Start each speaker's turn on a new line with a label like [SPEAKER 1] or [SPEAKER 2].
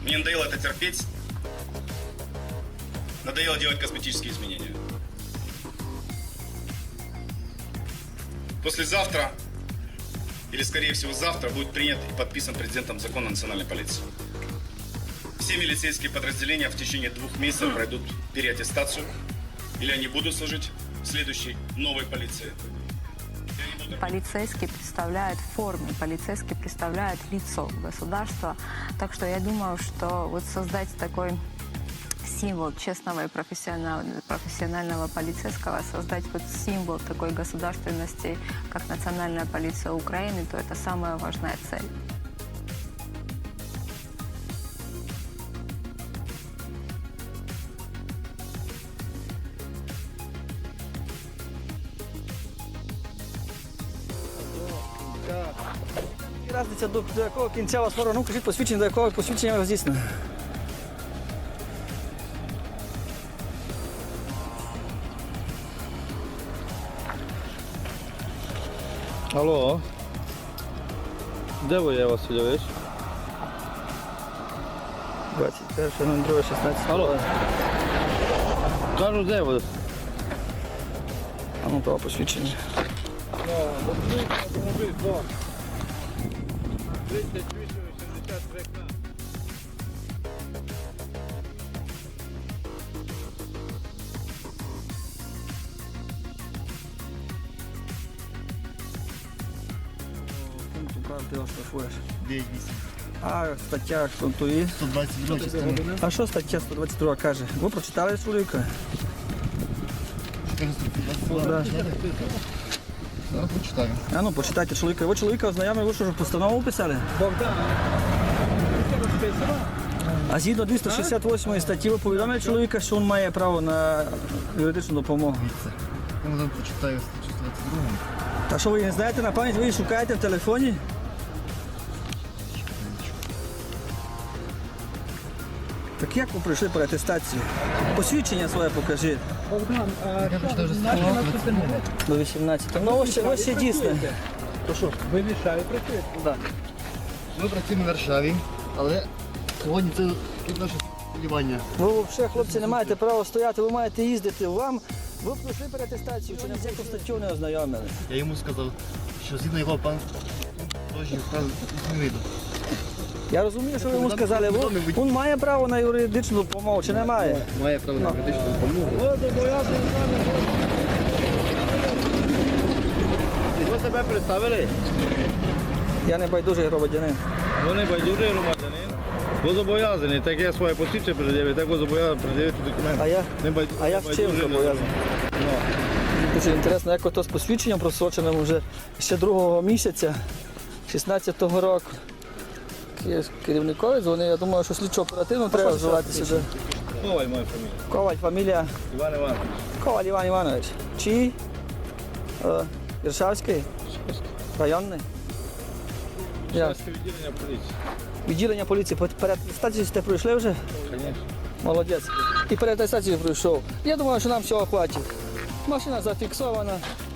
[SPEAKER 1] Мне надоело это терпеть. Надоело делать косметические изменения. Послезавтра, или скорее всего завтра, будет принят и подписан президентом закон о национальной полиции. Все милицейские подразделения в течение 2 месяцев пройдут переаттестацию, или они будут служить в следующей новой полиции.
[SPEAKER 2] Полицейский представляет в форме, полицейский представляет лицо государства. Так что я думаю, что вот создать такой символ честного и профессионального полицейского, создать вот символ такой государственности, как Национальная полиция Украины, то это самая важная цель.
[SPEAKER 3] Разниця до якого кінця вас ворог, ну кажіть посвідчення, до якого посвідчення здійснено.
[SPEAKER 4] Алло. Де ви, я Васильович?
[SPEAKER 3] 21.02.16.
[SPEAKER 4] Алло. Кажу, де ви?
[SPEAKER 3] А ну, право посвідчення.
[SPEAKER 4] Автомобіль 2. 38-83.
[SPEAKER 3] Пункту прав ти оштрафуєш.
[SPEAKER 5] 9-8.
[SPEAKER 3] А стаття контує.
[SPEAKER 5] 122 частина.
[SPEAKER 3] А що стаття 122 каже? Ви прочитали чоловіка?
[SPEAKER 5] 422. Зараз почитаю.
[SPEAKER 3] А ну, почитайте чоловіка. Ви чоловіка ознайомили, ви що ж постанову писали? А згідно 268 статті ви повідомили чоловіка, що він має право на юридичну допомогу.
[SPEAKER 5] Я вам почитаю статтю 122.
[SPEAKER 3] Та що ви не знаєте на пам'ять, ви її шукаєте в телефоні? Так як ви прийшли по атестацію? Посвідчення своє покажіть.
[SPEAKER 5] Я почитаю вже статтю 122.
[SPEAKER 3] До 18. Ну ось ще дійсно.
[SPEAKER 4] Ви мішаєте працюєте?
[SPEAKER 3] Да.
[SPEAKER 5] Ми працюємо в Варшаві, але сьогодні це тут наше сподівання.
[SPEAKER 3] Ви взагалі, хлопці, не маєте права стояти, ви маєте їздити. Ви пройшли переатестацію, чи не з яку статтю не ознайомили?
[SPEAKER 5] Я йому сказав, що згідно його пан Тожнів не вийду.
[SPEAKER 3] Я розумію, що ви йому сказали. Він має право на юридичну допомогу, чи не має?
[SPEAKER 5] Має право на юридичну допомогу.
[SPEAKER 4] Ви себе представили?
[SPEAKER 3] Я не байдужий громадянин.
[SPEAKER 4] Ви не байдужий громадянин. Ви зобов'язані, так я своє посвідчення пред'явити, так ви зобов'язані пред'явити документи.
[SPEAKER 3] А я в чим зобов'язаний? Дуже інтересно, як ото з посвідченням просроченим вже ще 2 місяця 16-го року. Керівникові дзвонив, я думаю, що слідчо оперативно треба вживати сюди.
[SPEAKER 4] Коваль моя фамілія.
[SPEAKER 3] Коваль, фамілія
[SPEAKER 4] Іван Іванович.
[SPEAKER 3] Коваль Іван Іванович. Чиї? Іршавський? Районний? Як?
[SPEAKER 4] Шарське відділення поліції.
[SPEAKER 3] Відділення поліції. Переатестацію сте пройшли вже?
[SPEAKER 4] Звісно.
[SPEAKER 3] Молодець. І переатестацію пройшов. Я думаю, що нам всього хватить. Машина зафіксована.